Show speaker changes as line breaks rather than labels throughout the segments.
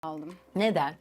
aldım.
Neden?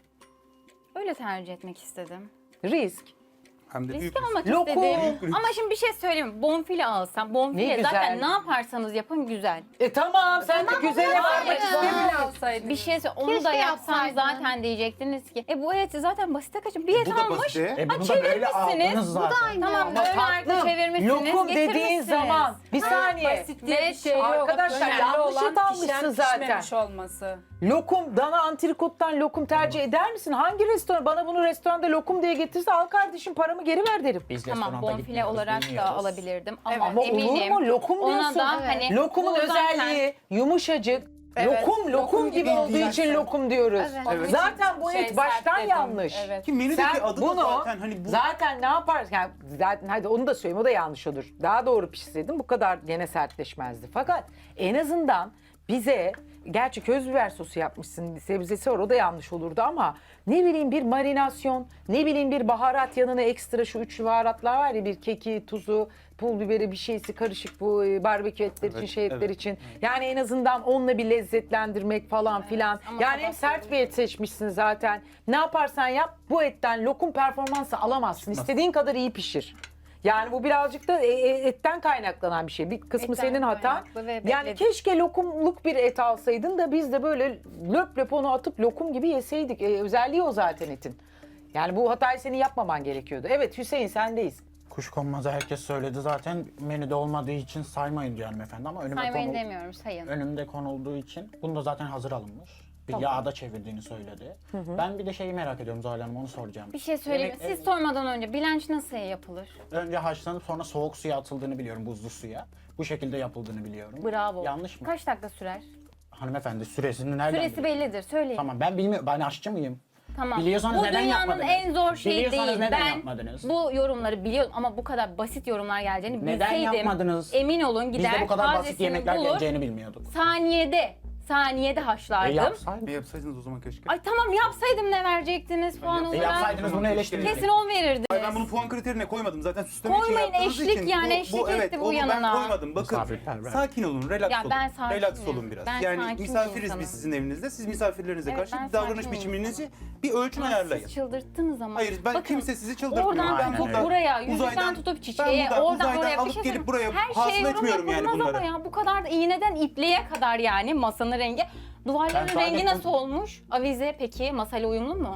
Öyle tercih etmek istedim.
Risk.
Hem de büyük
Risk almak
Lokum.
istedim. Ama şimdi bir şey söyleyeyim. Bonfile alsam.
Ne
Bonfile
güzel.
zaten ne yaparsanız yapın güzel.
Tamam sen de güzele varmak istemiyorsun.
Bir şey onu
Keşke
da yapsam
yapsaydın.
zaten diyecektiniz ki. Bu et zaten basite kaçın. Bir et
Bu da
almış.
basite.
Bunu da böyle
çevirmişsiniz.
aldınız zaten.
Tamam
Ama
böyle arka
tatlım,
çevirmişsiniz.
lokum dediğin
getirmişsiniz.
zaman bir saniye.
Basit diye bir şey yok.
Arkadaşlar,
Önemli
yanlış
olan
et almışsın
pişen,
zaten.
pişmemiş olması.
Lokum, dana antrikottan lokum tercih eder misin? Hangi restoran bana bunu restoranda lokum diye getirse al kardeşim paramı geri ver derim.
Biz
Tamam
restoranda
bonfile
gitmiyoruz,
olarak da
bilmiyoruz.
alabilirdim ama,
Evet.
Ama
eminim.
olur mu? Lokum
Ona
diyorsun.
da hani
Lokumun
bu zaten-
özelliği yumuşacık.
Evet,
Lokum
lokum
gibi
gibi
olduğu
değil
için
zaten.
lokum diyoruz.
Evet.
Zaten bu
Şey,
et baştan
sert dedim.
yanlış.
Evet.
Ki menüdeki
Sen
adı da
bunu
zaten hani bu
zaten ne yaparsın? Yani zaten hadi onu da söyleyeyim o da yanlış olur. Daha doğru pişirseydin bu kadar gene sertleşmezdi. Fakat en azından bize gerçi köz biber sosu yapmışsın sebzesi var o da yanlış olurdu ama ne bileyim bir marinasyon ne bileyim bir baharat yanına ekstra şu üçlü baharatlar var ya bir keki tuzu pul biberi bir şeysi karışık bu barbekü etler için şey etler
evet.
için. Yani en azından onunla bir lezzetlendirmek falan filan.
ama
Yani hem sert bir et seçmişsin zaten. Ne yaparsan yap bu etten lokum performansı alamazsın. İstediğin kadar iyi pişir. Yani bu birazcık da etten kaynaklanan bir şey. Bir kısmı
Etten
senin hatan.
kaynaklı ve
Yani
bekledim.
keşke lokumluk bir et alsaydın da biz de böyle löp löp onu atıp lokum gibi yeseydik. Özelliği o zaten etin. Yani bu hatayı senin yapmaman gerekiyordu. Evet Hüseyin sendeyiz.
Kuşkonmazı herkes söyledi zaten menüde olmadığı için saymayın diyor hanımefendi ama
Saymayın demiyorum sayın.
önümde konulduğu için bunu da zaten hazır alınmış. Bir yağda çevirdiğini söyledi. Ben bir de şeyi merak ediyorum Zuhal Hanım onu soracağım.
Bir şey söyleyeyim.
Yemek-
Siz sormadan önce bilanç nasıl yapılır?
Önce haşlanıp sonra soğuk suya atıldığını biliyorum buzlu suya. Bu şekilde yapıldığını biliyorum.
Bravo.
Yanlış mı?
Kaç dakika sürer?
Hanımefendi süresini nereden
Süresi
biliyor?
bellidir. Söyleyin.
Tamam ben bilmiyorum. Ben aşçı mıyım?
Tamam.
Biliyorsanız
bu
neden
dünyanın
yapmadınız?
en zor şeyi
Biliyorsanız
değil.
neden
Ben
yapmadınız?
bu yorumları biliyorum ama bu kadar basit yorumlar geleceğini
Neden
bilseydim.
yapmadınız?
Emin olun
Biz
gider
de bu kadar basit
tazesini
yemekler
bulur,
geleceğini bilmiyorduk.
saniyede haşlardım.
Yapsaydınız.
bir yapsaydınız o zaman keşke.
Ay tamam yapsaydım ne verecektiniz puan olarak?
Yapsaydınız bunu eleştirin.
Kesin 10 verirdiniz.
Ay ben bunu puan kriterine koymadım zaten süsleme için
Koymayın,
yaptığınız
eşlik
için.
yani, eşlik etti bu
onu
yanına.
ben koymadım bakın.
Misafirperver.
Sakin olun, relax
Ya
olun.
ben sakinim.
Relax olun biraz.
Ben
yani
sakin bir
misafiriz
insanım.
biz sizin evinizde. Siz misafirlerinize
Evet,
karşı
ben
bir davranış
sakin bir
biçiminizi bir ölçüm ayarlayın.
Siz çıldırttınız ama.
Hayır ben
Bakın,
kimse sizi çıldırtmıyor.
Oradan
Ben
tutup
buradan
buraya, yüzükten
uzaydan-
tutup
ben
çiçeğe,
buradan
oradan
uzaydan
oraya bir
alıp
şey
gelip
söyleyeyim.
buraya
Her
hasıl
şeye yorum
etmiyorum yani
yapılmaz
bunları.
ama ya bu kadar da iğneden ipliğe kadar yani masanın rengi. Duvarların
Ben sadece
rengi nasıl olmuş? Avize peki masayla uyumlu mu?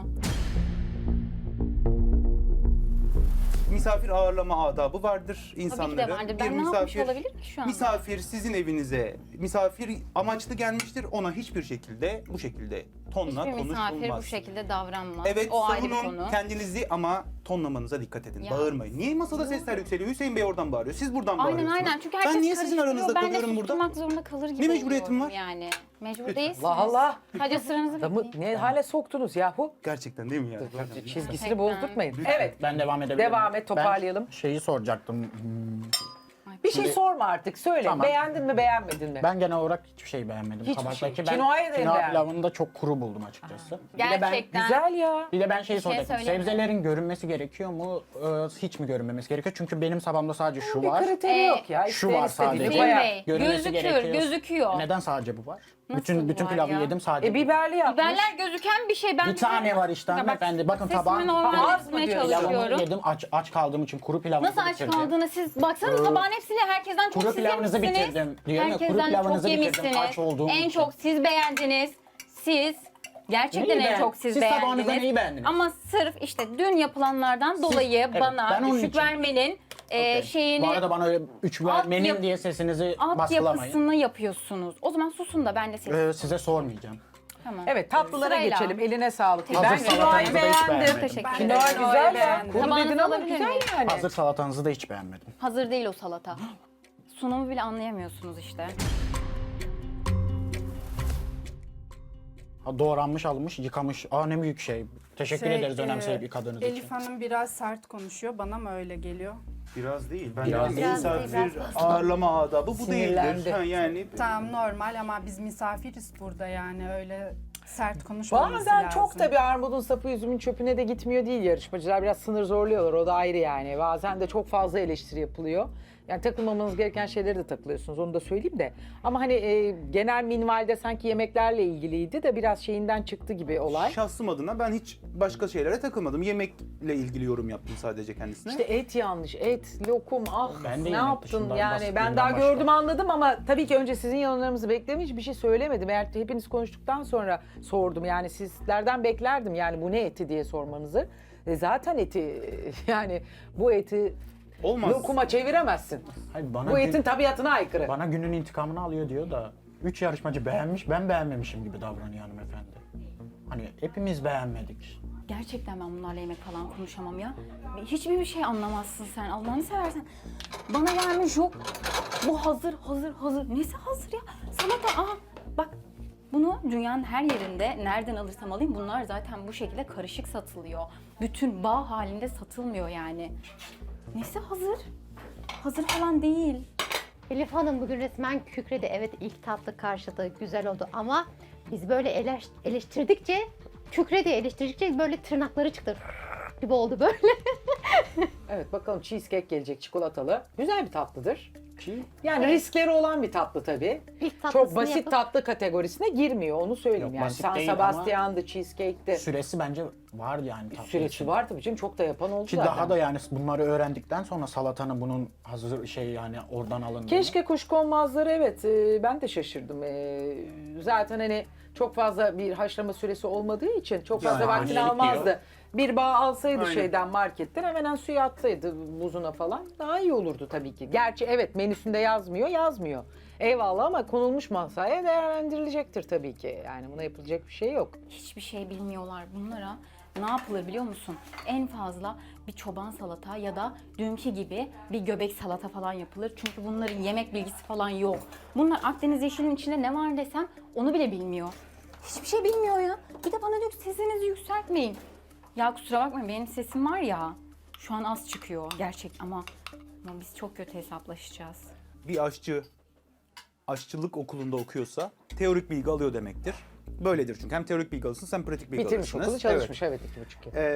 Misafir ağırlama adabı vardır insanların.
vardır. Ben ne yapmış olabilirim ki şu anda?
Misafir sizin evinize, misafir amaçlı gelmiştir. Ona hiçbir şekilde bu şekilde tonla
Hiçbir misafir
konuşulmaz.
bu şekilde davranmaz.
Evet
o ayrı bir
savunun
konu.
kendinizi ama tonlamanıza dikkat edin.
Ya.
Bağırmayın. Niye masada sesler yükseliyor? Hüseyin Bey oradan bağırıyor. Siz buradan
Aynen
bağırıyorsunuz.
aynen çünkü herkes
ben niye sizin
karıştırıyor.
aranızda
Ben de
kalıyorum burada?
susturmak zorunda kalır gibi
Ne mecburiyetim
oluyorum
var?
yani. Mecbur
Lütfen.
değilsiniz.
Allah Allah.
Sadece sıranızı
Adamı
bekleyin.
ne hale soktunuz yahu?
Gerçekten değil mi ya?
Çizgisini
Gerçekten.
bozdurtmayın. Evet.
Ben devam edebilirim.
Devam et, toparlayalım.
Ben şeyi soracaktım.
Bir şey sorma artık söyle.
Tamam.
Beğendin mi beğenmedin mi?
Ben genel olarak hiçbir şey beğenmedim.
Hiçbir
Tabaktaki
şey.
ben
Kinoayı da
kinoa
beğenmedim.
pilavını da çok kuru buldum açıkçası.
Gerçekten.
Güzel ya.
Bir de ben şeyi soracaktım.
söyleyeyim mi?
Sebzelerin görünmesi gerekiyor mu? Hiç mi görünmemesi gerekiyor? Çünkü benim sabamda sadece şu
Bir
var.
kriteri yok ya.
şu
İsteyen
var
istediğini
sadece.
Hüseyin
koyar.
Bey,
Görünmesi gerekiyor.
gözüküyor.
Neden sadece bu var?
Nasıl
bütün
bu var
pilavı
ya?
yedim sadece.
Biberli yapmış.
Biberler gözüken bir şey. Ben
Bir tane var işte
Ya bak,
hanımefendi. Bakın
sesimi
tabağın
normal
Az mı
tutmaya
diyorsun?
pilavımı
çalışıyorum.
yedim. Aç kaldığım için kuru pilavımı
Nasıl aç
bitirdim.
kaldığını siz baksanız tabağın hepsini herkesten çok
Kuru
siz
pilavınızı
yemişsiniz.
bitirdim. Diyorum ya, kuru
Herkesten
pilavınızı
çok
bitirdim,
yemişsiniz.
aç olduğum
En
için.
çok siz beğendiniz. Siz gerçekten
Neyi
en çok siz
tabağınızda
beğendiniz.
neyi beğendiniz?
Ama sırf işte dün yapılanlardan dolayı
evet, ben
bana
onun
düşük
için.
vermenin şeyini
Bu arada bana öyle 3
Alt
vermenin
yap-
diye sesinizi baskılamayın.
altyapısını yapıyorsunuz. O zaman susun da ben de siz.
Size sormayacağım.
Tamam.
Evet tatlılara
Sırayla.
geçelim. Eline sağlık.
Hazır
Ben
salatanızı
kinoayı
da hiç
beğendim.
beğenmedim.
Teşekkür
Ben de
ederim.
Kinoa güzel ya.
beğendim.
Kuru
Tabağınızı
dedin ama
alabilir
güzel
miyim?
yani.
Hazır salatanızı da hiç beğenmedim.
Hazır değil o salata. Sunumu bile anlayamıyorsunuz işte.
Doğranmış, almış, yıkamış. Ne büyük şey. Teşekkür ederiz önemseyip yıkadığınız için.
Elif Hanım biraz sert konuşuyor. Bana mı öyle geliyor?
Biraz değil. Ben
Biraz
de
değil.
misafir ağırlama adabı bu
Sinirlendi.
değildir. Yani
Tamam normal ama biz misafiriz burada yani öyle sert konuşmamız
Bazen
lazım.
çok tabii armudun sapı üzümün çöpüne de gitmiyor değil yarışmacılar. Biraz sınır zorluyorlar o da ayrı yani. Bazen de çok fazla eleştiri yapılıyor. Yani takılmamanız gereken şeyleri de takılıyorsunuz, onu da söyleyeyim de. Ama hani genel minvalde sanki yemeklerle ilgiliydi de biraz şeyinden çıktı gibi olay.
Şahsım adına ben hiç başka şeylere takılmadım. Yemekle ilgili yorum yaptım sadece kendisine.
İşte et yanlış, et, lokum, ah
Ben de
ne
yemek
yaptın
dışından
yani ben
bahsettiğimden
daha
başka.
gördüm anladım ama tabii ki önce sizin yorumlarınızı beklemiş hiçbir şey söylemedim. Eğer hepiniz konuştuktan sonra sordum yani sizlerden beklerdim yani bu ne eti diye sormanızı. Zaten eti yani bu eti
Olmaz.
lokuma çeviremezsin.
Hayır, bana
Bu etin tabiatına aykırı.
bana günün intikamını alıyor diyor da 3 yarışmacı beğenmiş, ben beğenmemişim gibi davranıyor hanımefendi. Hani hepimiz beğenmedik.
Gerçekten ben bunlarla yemek falan konuşamam ya. Hiçbir bir şey anlamazsın sen. Allah'ını seversen. Bana gelmiş yok. Bu hazır. Nesi hazır ya? Salata. Aa bak bunu dünyanın her yerinde nereden alırsam alayım bunlar zaten bu şekilde karışık satılıyor. Bütün bağ halinde satılmıyor yani. Nesi hazır? Hazır falan değil.
Elif Hanım bugün resmen kükredi. Evet ilk tatlı karşıladı, güzel oldu ama biz böyle eleştirdikçe, kükredi eleştirdikçe böyle tırnakları çıktı gibi oldu böyle.
Evet bakalım cheesecake gelecek çikolatalı. Güzel bir tatlıdır.
Ki
Yani riskleri olan bir tatlı tabii.
İlk tatlısını
Çok basit
yapıp-
tatlı kategorisine girmiyor onu söyleyeyim
Yok,
yani.
basit
San
değil ama
Sebastian'dı, cheesecake'ti.
süresi bence var yani tatlı
Süresi
için.
var tabii canım çok da yapan oldu
Ki
zaten.
daha da yani bunları öğrendikten sonra salatanın bunun hazır şey yani oradan alındığını.
Keşke kuşkonmazları evet ben de şaşırdım. Zaten hani çok fazla bir haşlama süresi olmadığı için çok fazla
Yani
vaktini
acelelik
almazdı.
diyor.
Bir bağ alsaydı
Aynen.
şeyden marketten hemen suya atsaydı buzuna falan daha iyi olurdu tabii ki. Gerçi evet menüsünde yazmıyor. Eyvallah ama konulmuş masaya değerlendirilecektir tabii ki. Yani buna yapılacak bir şey yok.
Hiçbir şey bilmiyorlar bunlara. Ne yapılır biliyor musun? En fazla bir çoban salata ya da dünkü gibi bir göbek salata falan yapılır. Çünkü bunların yemek bilgisi falan yok. Bunlar Akdeniz yeşilinin içinde ne var desem onu bile bilmiyor. Hiçbir şey bilmiyor ya. Bir de bana diyor ki sesinizi yükseltmeyin. Ya kusura bakmayın benim sesim var ya. Şu an az çıkıyor gerçek ama biz çok kötü hesaplaşacağız.
Bir aşçı aşçılık okulunda okuyorsa teorik bilgi alıyor demektir. Böyledir çünkü hem teorik bilgi alırsınız hem pratik bilgi
Bitirmiş
alırsınız.
okulu çalışmış evet 2,5 yıl.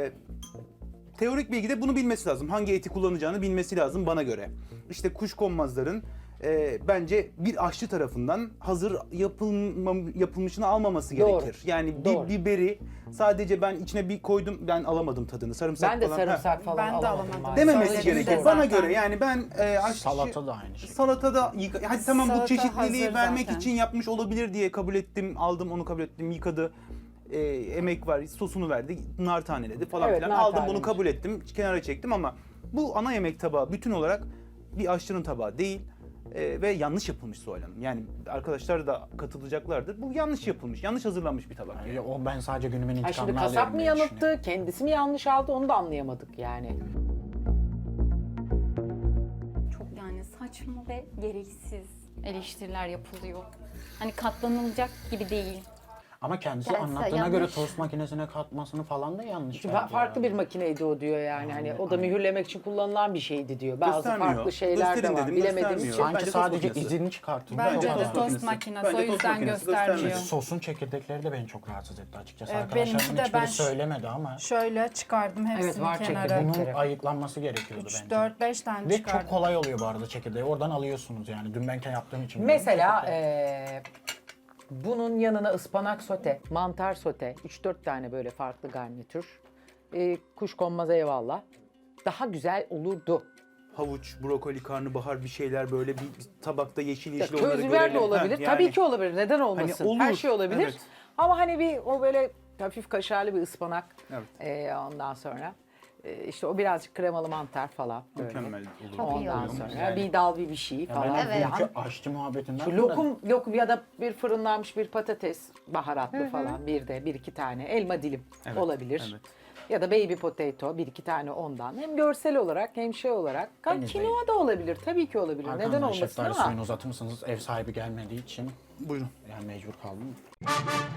Teorik bilgide bunu bilmesi lazım. Hangi eti kullanacağını bilmesi lazım bana göre. İşte kuşkonmazların bence bir aşçı tarafından hazır yapılmışını almaması
Doğru.
gerekir. Yani
Doğru.
bir biberi sadece ben içine bir koydum ben alamadım tadını. Sarımsak
Ben de
falan.
sarımsak falan
Ben de
alamadım.
alamadım.
maalesef.
Dememesi
Söyledim de
gerekir. Bana
zaten.
göre yani ben aşçı...
Salata da aynı şey.
Salatada hadi tamam bu
Salata
çeşitliliği
hazır
vermek
zaten.
için yapmış olabilir diye kabul ettim. Aldım onu kabul ettim. Yıkadı. Emek var. Sosunu verdi. Nar taneledi falan
Evet,
filan.
nar
Aldım bunu
tanelemiş.
kabul ettim. Kenara çektim ama bu ana yemek tabağı bütün olarak bir aşçının tabağı değil. Ve yanlış yapılmış Zuhal Hanım. Yani arkadaşlar da katılacaklardır. Bu yanlış yapılmış, yanlış hazırlanmış bir tabak.
Yani o ben sadece günümün
Ha
intikamını
şimdi
alıyorum
kasap mı
diye
yanılttı,
düşünüyorum.
kendisi mi yanlış aldı onu da anlayamadık yani.
Çok yani saçma ve gereksiz eleştiriler yapılıyor. Hani katlanılacak gibi değil.
Ama kendisi
Yani
anlattığına
yanlış.
göre tost makinesine katmasını falan da yanlış. bence
Farklı
ya.
bir makineydi o diyor yani. Hani o da mühürlemek için kullanılan bir şeydi diyor. Bazı
Göstermiyor.
farklı şeyler de
Gösterin
var.
dedim,
Bilemediğimiz
göstermiyor.
için.
Sanki
Bence tost
sadece
makinesi.
izini çıkartıyor.
Bence
O
de
kadar.
tost makinesi
Bence
o
tost
yüzden
makinesi
göstermiyor.
göstermedi.
Sosun çekirdekleri de beni çok rahatsız etti açıkçası.
Benimki
Arkadaşlarımın
de
hiçbiri
ben
söylemedi ama
şöyle çıkardım hepsini
Evet, var
kenara.
çekirdek.
bunun
kere.
ayıklanması gerekiyordu bence.
4-5 tane
Ve
çıkardım.
çok kolay oluyor bu arada çekirdeği. Oradan alıyorsunuz yani. Dün ben yaptığım için.
Mesela
biliyorum.
bunun yanına ıspanak sote, mantar sote, 3-4 tane böyle farklı garnitür. Kuşkonmaz eyvallah. Daha güzel olurdu.
Havuç, brokoli, karnabahar bir şeyler böyle bir tabakta yeşil
Ya,
yeşil onları
köz biber de
görelim.
olabilir.
Ha,
Tabii
yani
ki olabilir. Neden olmasın?
olur,
Her şey olabilir.
evet.
Ama hani bir o böyle hafif kaşarlı bir ıspanak.
Evet.
Ondan sonra işte o birazcık kremalı mantar falan böyle.
Mükemmel olur.
Çok iyi
Ondan
olur.
sonra
Yani.
bir dal bir şey
Ya
falan.
ben
Evet.
dünkü aşçı muhabbetinden
Şu
sonra
lokum ya da bir fırınlanmış bir patates baharatlı falan bir iki tane elma dilim
Evet,
olabilir.
evet.
Ya da baby potato bir iki tane ondan. Hem görsel olarak hem şey olarak.
En
Kinoa da olabilir. Tabii ki olabilir. Neden
arkamdan
olmasın
şeftali
ama.
suyunu uzatır mısınız? Ev sahibi gelmediği için
Buyurun.
yani mecbur kaldım.